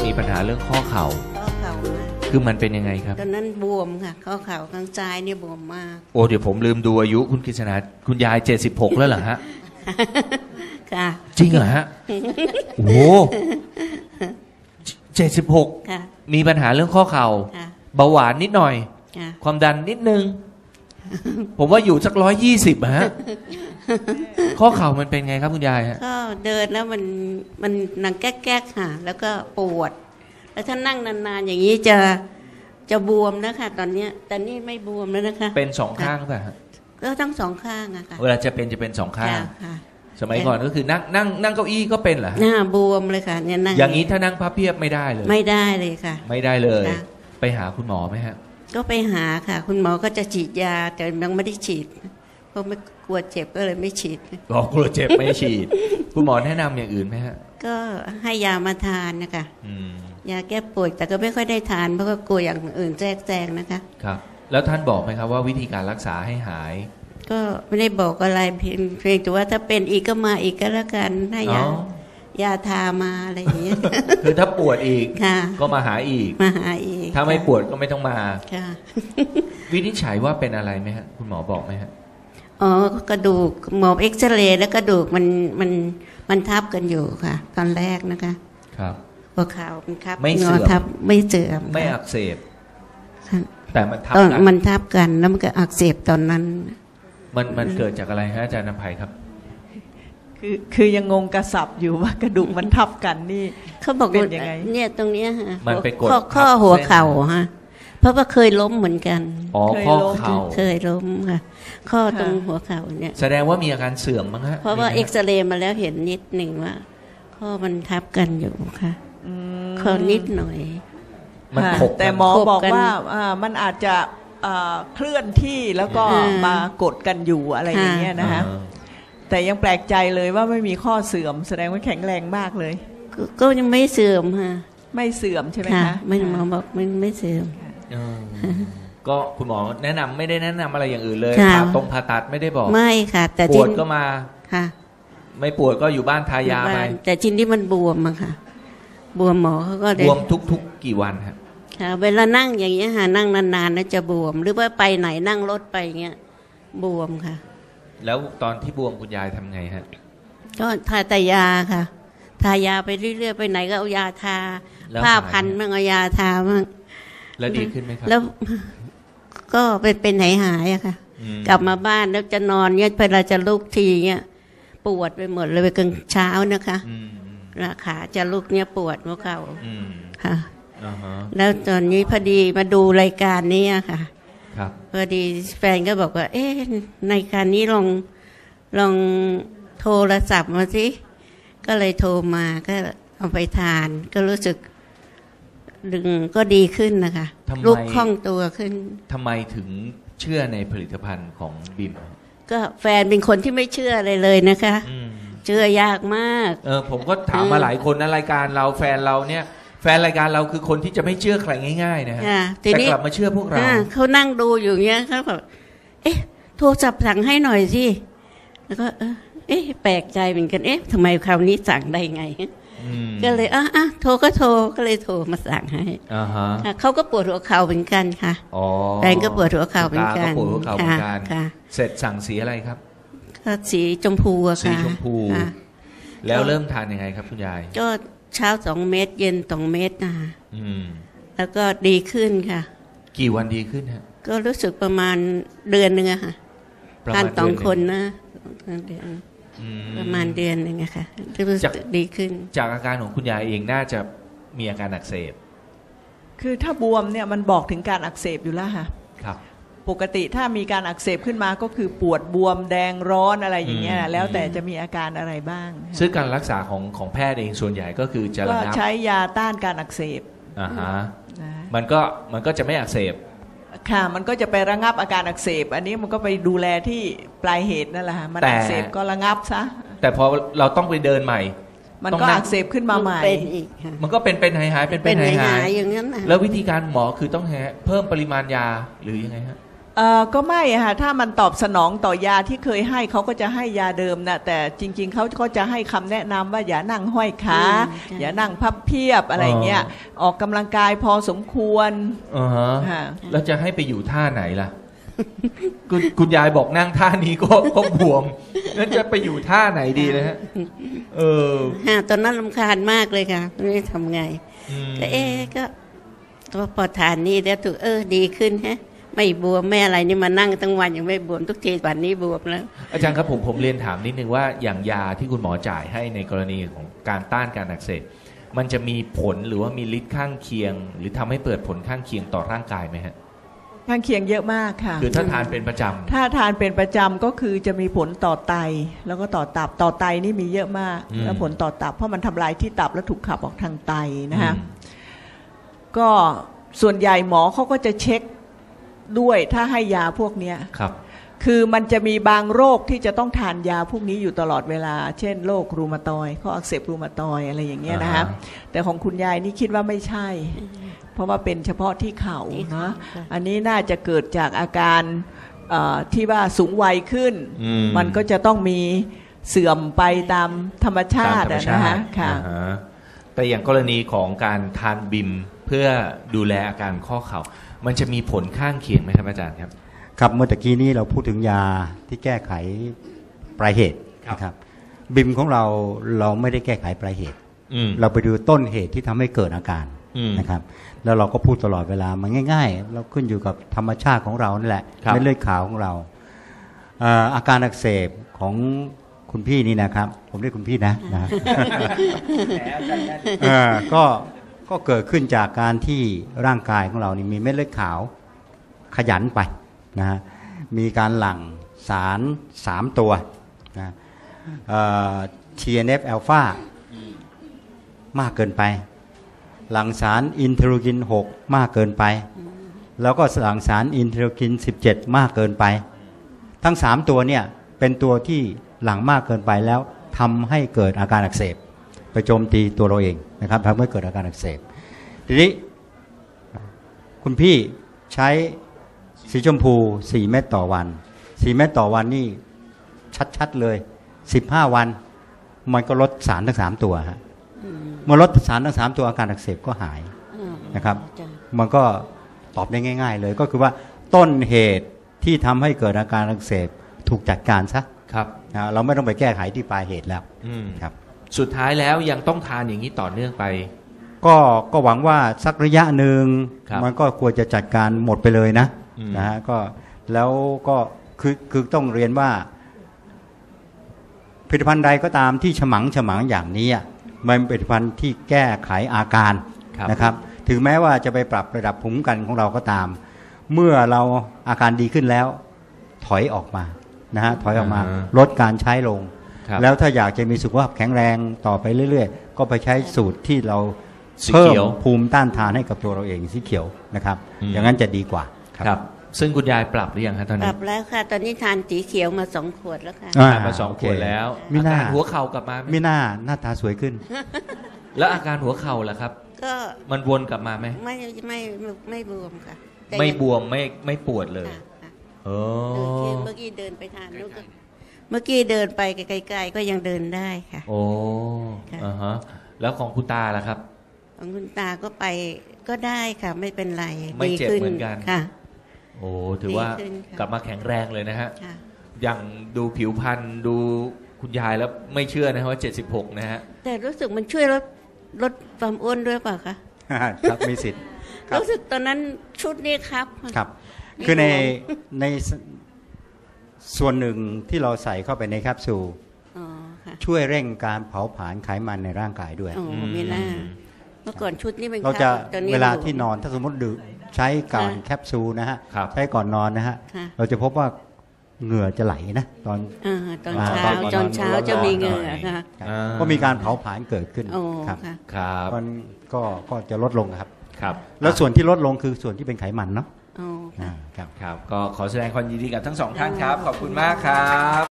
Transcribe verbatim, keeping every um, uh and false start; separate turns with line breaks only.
มีปัญหาเรื่องข้อเข่า
ข้อเข่ามา
คือมันเป็นยังไงครับ
ตอนนั้นบวมค่ะข้อเข่าข้างซ้ายเนี่ยบวมมาก
โอ้เดี๋ยวผมลืมดูอายุคุณกฤษณาคุณยายเจ็ดสิบหกแล้วเหรอฮะ
ค่ะ
จริงเหรอฮะโอ้เจ็ดสิบหกมีปัญหาเรื่องข้อเข่าเบาหวานนิดหน่อยความดันนิดนึงผมว่าอยู่สักร้อยยี่สิบฮะข้อเข่ามันเป็นไงครับคุณยายฮะ
ก็เดินแล้วมันมันนั่งแก๊กๆค่ะแล้วก็ปวดแล้วถ้านั่งนานๆอย่างนี้จะจะบวมนะคะตอนนี้แต่นี่ไม่บวมแล้วนะคะ
เป็นสองข้างป่ะฮะ
ก็ทั้งสองข้างอะค่ะ
เวลาจะเป็นจะเป็นสองข้างสมัยก่อนก็คือนั่งนั่งนั่งเก้าอี้ก็เป็นเหรอ
หน้าบวมเลยค่ะเนี่ยนั่ง
อย่างนี้ถ้านั่งพับเพียบไม่ได้เลย
ไม่ได้เลยค่ะ
ไม่ได้เลยไปหาคุณหมอไหมฮะ
ก็ไปหาค่ะคุณหมอก็จะฉีดยาแต่ยังไม่ได้ฉีดเพราะไม่กลัวเจ็บก็เลยไม่ฉีด
อ๋อกลัวเจ็บไม่ฉีดคุณหมอแนะนำอย่างอื่นไหมฮะ
ก็ให้ยามาทานนะคะยาแก้ปวดแต่ก็ไม่ค่อยได้ทานเพราะก็กลัวอย่างอื่นแทรกแซงนะคะ
ครับแล้วท่านบอกไหมครับว่าวิธีการรักษาให้หาย
ก็ไม่ได้บอกอะไรเพียงเพียงแต่ว่าถ้าเป็นอีกก็มาอีกก็แล้วกันให้ยายาทามาอะไรอย่างเงี้ย
คือถ้าปวดอีกก็มาหาอีก
มาหาอีก
ถ้าไม่ปวดก็ไม่ต้องมาวินิจฉัยว่าเป็นอะไรไหมฮะคุณหมอบอกไหมฮะ
อ๋อกระดูกหมอเอ็กซเรย์แล้วกระดูกมันมันมันทับกันอยู่ค่ะตอนแรกนะคะ
ครับ
หัวเข่ามันทับ
ไม่เสื่อม
ทับไม่เสื่อม
ไม่อักเสบแต่มันทับ
กันมันทับกันแล้วมันก็อักเสบตอนนั้น
มันมันเกิดจากอะไรฮะอาจารย์นภัยครับ
คือคือยังงงกระสับอยู่ว่ากระดูกมันทับกันนี่
เขาบอกเป็นยังไงเนี่ยตรงเนี้ยฮะ
มันไปกด
ข้อหัวเข่าฮะเพราะว่าเคยล้มเหมือนกัน
อ๋อข้อเข่า
เคยล้มค่ะข้อตรงหัวเข่าเนี่ย
แสดงว่ามีอาการเสื่อมมั้งฮะ
เพราะว่าเอ็กซเรย์มาแล้วเห็นนิดหนึ่งว่าข้อมันทับกันอยู่ค่ะข้อนิดหน่อย
มันขบ
แต่หมอบอกว่ามันอาจจะเคลื่อนที่แล้วก็มากดกันอยู่อะไรอย่างเงี้ยนะคะแต่ยังแปลกใจเลยว่าไม่มีข้อเสื่อมแสดงว่าแข็งแรงมากเลย
ก็ยังไม่เสื่อมค่ะ
ไม่เสื่อมใช่ไหมคะ
ไม่หมอบอกไม่ไม่เสื่อม
ก็คุณหมอแนะนำไม่ได้แนะนำอะไรอย่างอื่นเลยผ่าตรงผ่าตัดไม่ได้บอก
ไม่ค่ะแต่
ปวดก็มา
ค่ะ
ไม่ปวดก็อยู่บ้านทายาไป
แต่ชิ้นที่มันบวมอะค่ะบวมหมอเขาก็
บวมทุกๆกี่วันครับ
ค่ะเวลานั่งอย่างเงี้ยค่ะนั่งนานๆแล้วจะบวมหรือว่าไปไหนนั่งรถไปเงี้ยบวมค่ะ
แล้วตอนที่บวมคุณยายทำไงฮะ
ก็ทาแต่ยาค่ะทายาไปเรื่อยๆไปไหนก็เอายาทาผ้าพันมั่งเอายาทามั่ง
แล้วดีขึ้นไหมครับ
แล้วก็เป็นเป็นหายหายอะค่ะกลับมาบ้านแล้วจะนอนเนี่ยเวลาจะลุกทีเนี่ยปวดไปหมดเลยไปกลางเช้านะคะราขาจะลุกเนี่ยปวดหัวเข่าค่ะแล้วตอนนี้พอดีมาดูรายการนี้ค่ะพอดีแฟนก็บอกว่าเอ๊ะในการนี้ลองลองโทรศัพท์มาสิก็เลยโทรมาก็เอาไปทานก็รู้สึกดึงก็ดีขึ้นนะคะลุกคล่องตัวขึ้น
ทำไมถึงเชื่อในผลิตภัณฑ์ของบิม
ก็แฟนเป็นคนที่ไม่เชื่ออะไรเลยนะคะเชื่อยากมาก
เออผมก็ถามมาหลายคนในรายการเราแฟนเราเนี่ยแฟนรายการเราคือคนที่จะไม่เชื่อใครง่ายๆนะฮะแต่กลับมาเชื่อพวกเรา
เขานั่งดูอยู่เงี้ยเขาแบบเอ๊ะโทรศัพท์สั่งให้หน่อยสิแล้วก็เอ๊ะแปลกใจเหมือนกันเอ๊ะทำไมคราวนี้สั่งได้ไงก็เลยอ่ะอ่ะโทรก็โทรก็เลยโทรมาสั่งให้เขาก็ปวดหัวเข่าเหมือนกันค่ะแฟนก็ปวดหัวเข่าเหมือนกัน
ปวดหัวเข่าเหมือนกันเสร็จสั่งสีอะไรครับ
ก็สีชมพูอะค่ะ
สีชมพูแล้วเริ่มทานยังไงครับคุณยาย
ก็เช้าสองเม็ดเย็นสองเม็ดนะคะแล้วก็ดีขึ้นค่ะ
กี่วันดีขึ้นฮะ
ก็รู้สึกประมาณเดือนหนึ่งอะค่ะทานสองคนนะเดือนประมาณเดือนหนึ่งอะค่ะรู้สึกดีขึ้น
จากอาการของคุณยายเองน่าจะมีอาการอักเสบ
คือถ้าบวมเนี่ยมันบอกถึงการอักเสบอยู่แล้วค่ะ
ครับ
ปกติถ้ามีการอักเสบขึ้นมาก็คือปวดบวมแดงร้อนอะไรอย่างเงี้ยแล้วแต่จะมีอาการอะไรบ้าง
ซึ่งการรักษาของของแพทย์เองส่วนใหญ่ก็คือจะระงับ
ใช้ยาต้านการอักเสบ
อ่าฮะมันก็มันก็จะไม่อักเสบ
ค่ะมันก็จะไประงับอาการอักเสบอันนี้มันก็ไปดูแลที่ปลายเหตุนั่นแหละมันอักเสบก็ระงับซะ
แต่พอเราต้องไปเดินใหม่
มันก็อักเสบขึ้นมาใหม่
มันก็เป็นเป็นหายหายเป็นเป็นหายหายอย่างนั้นแล้ววิธีการหมอคือต้องเพิ่มปริมาณยาหรือยังไงฮะ
เอ่อก็ไม่อะค่ะถ้ามันตอบสนองต่อยาที่เคยให้เขาก็จะให้ยาเดิมนะแต่จริงๆเขาก็จะให้คำแนะนำว่าอย่านั่งห้อยขาอย่านั่งพับเพียบอะไรเงี้ยออกกำลังกายพอสมควร
อ่าฮะ
ค่ะ
แล้วจะให้ไปอยู่ท่าไหนล่ะ คุณคุณยายบอกนั่งท่านี้ก็ก็บวมแล้วจะไปอยู่ท่าไหนดีเลยฮะเออ
ฮะตอนนั้นรำคาญมากเลยค่ะไม่รู้ทำไงก็เอ๊ะก็ตัวพอทานนี่แล้วถูกเออดีขึ้นฮะไม่บวมไม่อะไรนี่มานั่งทั้งวันยังไม่บวมทุกทีวันนี้บวมแล้ว
อาจารย์ครับผมผมเรียนถามนิดนึงว่าอย่างยาที่คุณหมอจ่ายให้ในกรณีของการต้านการอักเสบมันจะมีผลหรือว่ามีฤทธิ์ข้างเคียงหรือทำให้เปิดผลข้างเคียงต่อร่างกายไหมฮะ
ข้างเคียงเยอะมากค่ะ
คือถ้าทานเป็นประจำ
ถ้าทานเป็นประจำก็คือจะมีผลต่อไตแล้วก็ต่อตับต่อไตนี่มีเยอะมากแล้วผลต่อตับเพราะมันทำลายที่ตับแล้วถูกขับออกทางไตนะฮะก็ส่วนใหญ่หมอเขาก็จะเช็คด้วยถ้าให้ยาพวกนี้
ครับ
คือมันจะมีบางโรคที่จะต้องทานยาพวกนี้อยู่ตลอดเวลาเช่นโรครูมาตอยด์ข้ออักเสบรูมาตอยด์อะไรอย่างเงี้ยนะฮะแต่ของคุณยายนี่คิดว่าไม่ใช่เพราะว่าเป็นเฉพาะที่เข่านะอันนี้น่าจะเกิดจากอาการที่ว่าสูงวัยขึ้นมันก็จะต้องมีเสื่อมไปตามธรรมชาตินะฮะค่ะ
แต่อย่างกรณีของการทานบิมเพื่อดูแลอาการข้อเข่ามันจะมีผลข้างเคียงไหมครับอาจารย์ครับ
ครับเมื่อตะกี้นี้เราพูดถึงยาที่แก้ไขปลายเหตุนะครับบิมของเราเราไม่ได้แก้ไขปลายเหตุเราไปดูต้นเหตุที่ทำให้เกิดอาการนะครับแล้วเราก็พูดตลอดเวลามันง่ายๆเราขึ้นอยู่กับธรรมชาติของเรานั่นแหละเม็ดเลือดขาวของเราอาการอักเสบของคุณพี่นี่นะครับผมเรียกคุณพี่นะนะก็ก็เกิดขึ้นจากการที่ร่างกายของเรานี่มีเม็ดเลือดขาวขยันไปนะฮะมีการหลั่งสารสามตัวนะ ที เอ็น เอฟ อลฟามากเกินไปหลั่งสารอินเทอร์กินหกมากเกินไปแล้วก็หลั่งสารอินเทอร์กินสิบเจ็ดมากเกินไปทั้งสามตัวเนี่ยเป็นตัวที่หลั่งมากเกินไปแล้วทำให้เกิดอาการอักเสบไปโจมตีตัวเราเองนะครับทำให้เกิดอาการอักเสบทีนี้คุณพี่ใช้สีชมพูสี่เม็ดต่อวันสี่เม็ดต่อวันนี่ชัดๆเลยสิบห้าวันมันก็ลดสารทั้งสามตัวฮะเมื่อลดสารทั้งสามตัวอาการอักเสบก็หายนะครับมันก็ตอบได้ง่ายๆเลยก็คือว่าต้นเหตุที่ทำให้เกิดอาการอักเสบถูกจัดการซะ
ครับ
เราไม่ต้องไปแก้ไขที่ปลายเหตุแล้วครับ
สุดท้ายแล้วยังต้องทานอย่างนี้ต่อเนื่องไป
ก็ก็หวังว่าสักระยะหนึ่งมันก็ควรจะจัดการหมดไปเลยนะนะฮะก็แล้วก็คือคือต้องเรียนว่าผลิตภัณฑ์ใดก็ตามที่ฉมังฉมังอย่างนี้มันเป็นผลิตภัณฑ์ที่แก้ไขอาการนะครับถึงแม้ว่าจะไปปรับระดับภูมิคุ้มกันของเราก็ตามเมื่อเราอาการดีขึ้นแล้วถอยออกมานะฮะถอยออกมาลดการใช้ลงแล้วถ้าอยากจะมีสุขภาพแข็งแรงต่อไปเรื่อยๆก็ไปใช้สูตรที่เราเพิ่มภูมิต้านทานให้กับตัวเราเองสีเขียวนะครับอย่างนั้นจะดีกว่า
ครับซึ่งคุณยายปรับหรือยังครับตอนนี้
ปรับแล้วค่ะตอนนี้ทานสีเขียวมาสองขวดแล้วค่ะ
มาสองขวดแล้ว
มีหน้า
หัวเข่ากลับมา
มีหน้าหน้าตาสวยขึ้น
แล้วอาการหัวเข่าล่ะครับก็มันวนกลับมาไหม
ไม่ไม่ไม่บวมค่ะ
ไม่บวมไม่ไม่ปวดเลย
เออเมื่อกี้เดินไปทานนู้นก็เมื่อกี้เดินไปไกลๆก็ยังเดินได้ค่ะ
โอ้อ่าฮะแล้วของคุณตาล่ะครับ
ของคุณตาก็ไปก็ได้ค่ะไม่เป็นไร
ไม่เจ็บเหมือนกัน
ค่ะ
โอ้ถือว่ากลับมาแข็งแรงเลยนะฮะอย่างดูผิวพรรณดูคุณยายแล้วไม่เชื่อนะว่าเจ็ดสิบหกนะฮะ
แต่รู้สึกมันช่วยลดลดความอ้วนด้วยเปล่าคะ
ครับมีสิทธิ์
รู้สึกตอนนั้นชุดนี้ครับ
ครับคือในในส่วนหนึ่งที่เราใส่เข้าไปในแคปซูลช่วยเร่งการเผาผลาญไขมันในร่างกายด้วย
โอ้ไม่น่าเมื่อก่อนชุดนี้เป็น
เราจะเวลาที่นอนถ้าสมมติดื่มใช้ก่อนแคปซูลนะฮะใช้ก่อนนอนนะฮะเราจะพบว่าเหงื่อจะไหลนะตอน
ตอนเช้าตอนเช้าจะมีเหงื่อค่ะ
ก็มีการเผาผลาญเกิดขึ้นครับ
ครับ
มันก็ก็จะลดลงครับ
ครับ
แล้วส่วนที่ลดลงคือส่วนที่เป็นไขมันเนาะ
ครับ
ครับก็ขอแสดงความยินดีกับทั้งสองท่านครับขอบคุณมากครับ